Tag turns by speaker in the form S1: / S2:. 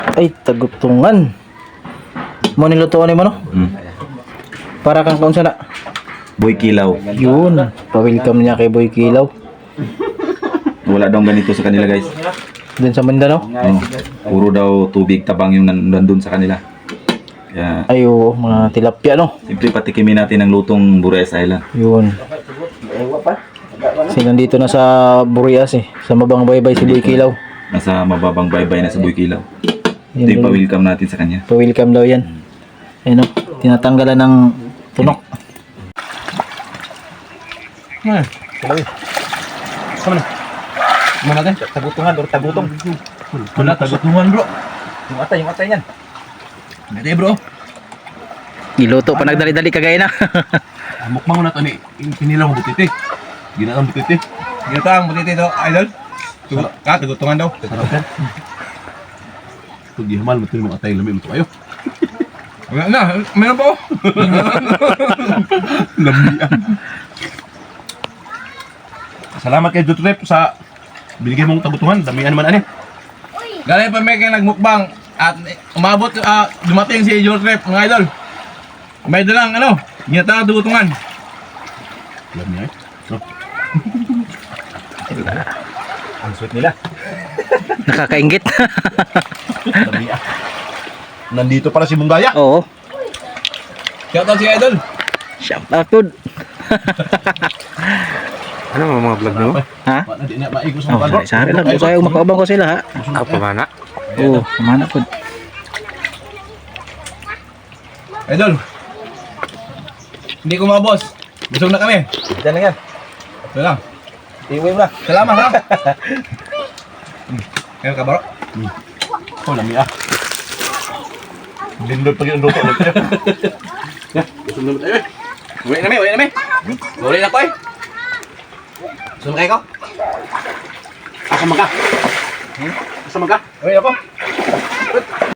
S1: Ay, tagutungan. Mo nilutuan mo no? Para kang kaunsa na.
S2: Boy Kilaw.
S1: Yun, pa-welcome niya kay Boy Kilaw.
S2: Wala daw ganito sa kanila guys.
S1: Dun sa Mindanao.
S2: Puro daw tubig tabang yung nandun sa kanila. Kaya
S1: Ay, oo, mga tilapia no.
S2: simple patikimin natin ang lutong Burias Island.
S1: Yun. Kasi nandito na sa Burias eh. Sa Mabang Baybay si Boy Kilaw.
S2: Nasa mababang baybay na sa Boy Kilaw.
S1: Yun
S2: Ito yung
S1: dun.
S2: pa-welcome natin sa kanya.
S1: Pa-welcome daw yan. Ayun o, tinatanggalan ng tunok.
S3: Sama na. Sama natin. Tagutungan or tagutong. Wala, tagutungan bro. Yung atay yan. Hindi bro.
S1: Niluto pa nagdali-dali kagaya na.
S3: Mukbang na to ni. Pinilang butiti. Ginatang butiti. Ginatang butiti to, idol. Tagutungan daw. Sarap yan. Ito di hamal, matil mo atay lamig mo kayo. Wala na, meron po. Lambian. Salamat kay Dutrep sa binigay mong tagutungan. Damihan naman ani. Galing pa may kayo nagmukbang at umabot, dumating si Dutrep, mga idol. May dalang ginatang tagutungan. Alam niya eh. Ang sweet nila.
S1: Nakakaingit.
S3: Damihan. Nandito pala si Munggaya.
S1: Oo.
S3: Shout out si Idol.
S1: Shout out good.
S4: Ano mga vlog nyo?
S1: Ha?
S3: Hindi na maigos
S1: Oh, sari lang. Kaya umakabang ko sila ha.
S4: Apa mana?
S1: Oo, kumana po.
S3: Idol. Hindi ko mga boss. Busog na kami. Diyan lang yan. Ito lang. Iuwi mo na. Salamat ha. Ngayon ka bro? Oh, lami ah. Lindot pag yung luto. Ya, busog naman tayo eh. Uwi na mi. Uwi na ko eh. Busog na kayo ko? Asa maga? Asa maga? Uwi ako.